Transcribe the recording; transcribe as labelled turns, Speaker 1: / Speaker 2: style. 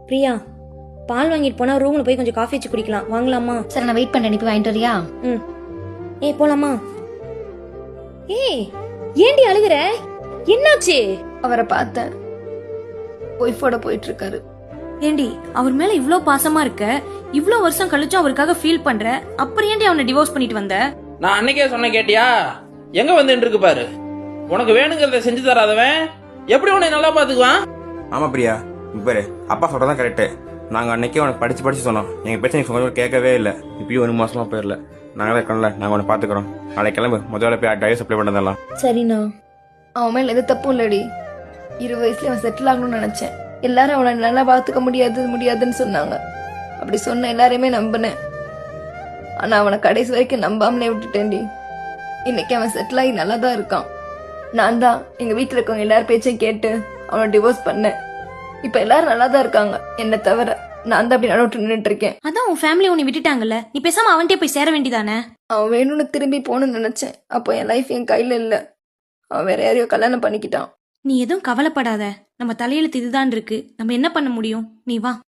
Speaker 1: பிரியா, பால் வாங்கிட்டு போனா ரூம்ல போய் கொஞ்சம் காஃபி வச்சு குடிக்கலாம். வாங்கலாமா?
Speaker 2: சரி, நான் வெயிட் பண்ண. நீ போய் வாங்கிட்டு வரியா?
Speaker 1: ம். போலாமா? ஏண்டி அழுகுற? என்னாச்சு?
Speaker 2: அவரை பார்த்தேன், ஒய்ஃபோட போயிட்டு இருக்காரு.
Speaker 1: ஏண்டி, அவர் மேல இவ்ளோ பாசமா இருக்க, இவ்ளோ வருஷம் கழிச்சும் அவருக்காக ஃபீல் பண்ற, அப்புறம் ஏண்டி அவனை டிவோர்ஸ் பண்ணிட்டு வந்த?
Speaker 3: நான் அன்னைக்கே சொன்ன கேட்டியா? எங்க வந்து இருக்கு பாரு. உனக்கு வேணுங்கிறத செஞ்சு தராதவன் எப்படி உன்னை நல்லா பாத்துக்குவான்?
Speaker 4: ஆமா பிரியா, பாரு, அப்பா சொல்றதான் கரெக்டு. நாங்க அன்னைக்கே உனக்கு படிச்சு சொன்னோம். எங்க பேச்ச நீ கொஞ்சம் கேட்கவே இல்லை. இப்பயும் 1 மாசமா போயிடல. நாங்களே இருக்கோம்ல, நாங்க உன்னை பாத்துக்கிறோம். நாளைக்கு கிளம்பு, முதல்ல போய் டைவர்ஸ் அப்ளை பண்ணதெல்லாம்.
Speaker 1: சரிண்ணா.
Speaker 2: அவன் மேல எது தப்பும் இல்லடி. 20 வயசுல அவன் செட்டில் ஆகணும்னு நினைச்சேன். எல்லாரும் அவனை நல்லா பாத்துக்க முடியாதுன்னு சொன்னாங்க. அப்படி சொன்ன எல்லாரையுமே நம்பினேன். ஆனா அவனை கடைசி வரைக்கும் நம்பாமலே விட்டுட்டேன்டி. இன்னைக்கு அவன் செட்டில் ஆகி நல்லா தான் இருக்கான். நான் தான் எங்க வீட்டுல இருக்கவங்க எல்லாரும் பேச்சையும் கேட்டு அவனை டிவோர்ஸ் பண்ணேன். இப்ப எல்லாரும் நல்லா தான் இருக்காங்க, என்ன தவிர. நான் தான் அப்படி நடுவிட்டு நின்றுட்டு இருக்கேன்.
Speaker 1: அதான் உன் ஃபேமிலி உன்னை விட்டுட்டாங்கல்ல, நீ பேசாம அவன்கிட்டே போய் சேர வேண்டியதானே?
Speaker 2: அவன் வேணும்னு திரும்பி போகணும்னு நினைச்சேன். அப்போ என் லைஃப் என் கையில இல்ல. அவன் வேற யாரையோ கல்யாணம் பண்ணிக்கிட்டான்.
Speaker 1: நீ எதுவும் கவலைப்படாத. நம்ம தலையெழுத்து இதுதான் இருக்கு. நம்ம என்ன பண்ண முடியும்? நீ வா.